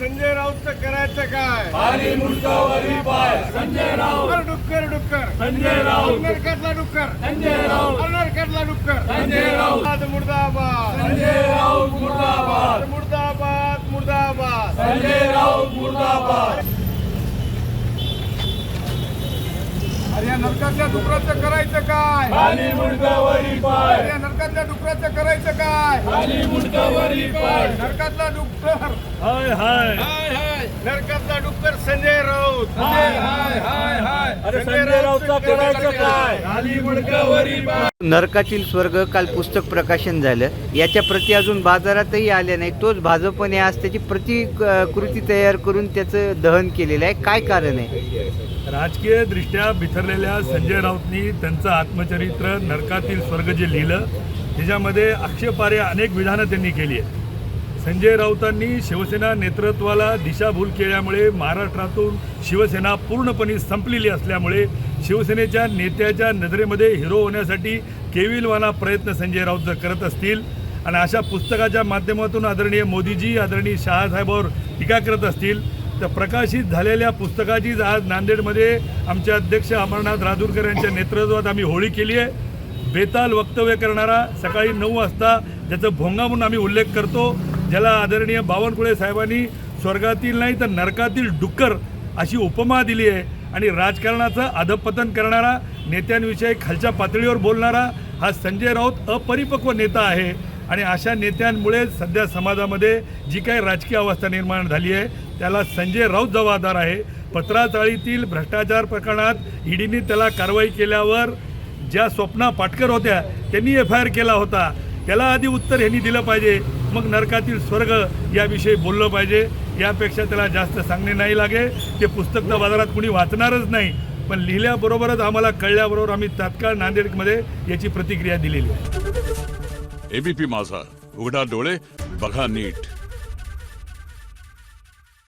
संजय राऊतचं करायचं काय? खाली मुंडकावरी पाय संजय राऊत, डुक्कर डुक्कर संजय राऊत, नरकातला डुक्कर संजय राऊत, नरकातला डुक्कर संजय राऊत, मुर्दाबाद संजय राऊत मुर्दाबाद, मुर्दाबाद मुर्दाबाद. संजय राऊत मुर्दाबाद. अरे या नरकातल्या डुकराचं करायचं काय? खाली मुंडकावरी पाय, अरे या नरकातल्या डुकराचं करायचं काय? खाली मुंडकावरी पाय. नरकातला डुक्कर, हाय हाय हाय हाय, नरकातला डुक्कर संजय राऊत. हाय हाय हाय हाय. अरे संजय राऊतचं करायचं काय? खाली मुंडकावरी पाय. नरकातील स्वर्ग काल पुस्तक प्रकाशन झालं. याच्या प्रती अजून बाजारातही आल्या नाही. तोच भाजपने आज त्याची प्रतिकृती तयार करून त्याचं दहन केलेलं आहे. काय कारण आहे? राजकीय दृष्ट्या बिथरलेल्या संजय राऊतनी त्यांचं आत्मचरित्र नरकातील स्वर्ग जे लिहिलं त्याच्यामध्ये आक्षेपार्ह अनेक विधानं त्यांनी केली आहे. संजय राऊतांनी शिवसेना नेतृत्वाला दिशाभूल केल्यामुळे महाराष्ट्रातून शिवसेना पूर्णपणे संपलेली असल्यामुळे शिवसेनेच्या नेत्याच्या नजरेमध्ये हिरो होण्यासाठी केविलवाना प्रयत्न संजय राऊत जर करत असतील आणि अशा पुस्तकाच्या माध्यमातून आदरणीय मोदीजी आदरणीय शहासाहेबांवर टीका करत असतील तर प्रकाशित झालेल्या पुस्तकाचीच आज नांदेडमध्ये आमचे अध्यक्ष अमरनाथ राजूरकर यांच्या नेतृत्वात आम्ही होळी केली आहे. बेताल वक्तव्य करणारा सकाळी 9 वाजता ज्याचं भोंगा म्हणून आम्ही उल्लेख करतो, ज्याला आदरणीय बावनकुळे साहेबांनी स्वर्गातील नाही तर नरकातील डुक्कर अशी उपमा दिली आहे आणि राजकारणाचं अधपतन करणारा, नेत्यांविषयी खालच्या पातळीवर बोलणारा हा संजय राऊत अपरिपक्व नेता आहे. आणि अशा नेत्यांमुळे सध्या समाजामध्ये जी काही राजकीय अवस्था निर्माण झाली आहे त्याला संजय राऊत जबाबदार आहे. पत्राचाळीतील भ्रष्टाचार प्रकरणात ईडीने त्याला कारवाई केल्यावर ज्या स्वप्ना पाटकर होत्या त्यांनी FIR केला होता, त्याला आधी उत्तर ह्यांनी दिलं पाहिजे, मग नरकातील स्वर्ग याविषयी बोललं पाहिजे. यापेक्षा त्याला जास्त सांगणे नाही लागे. ते पुस्तक तर बाजारात कुणी वाचणारच नाही, पण लिहिल्याबरोबरच आम्हाला कळल्याबरोबर आम्ही तात्काळ नांदेडमध्ये याची प्रतिक्रिया दिलेली आहे. एबीपी माझा, उघडा डोळे बघा नीट.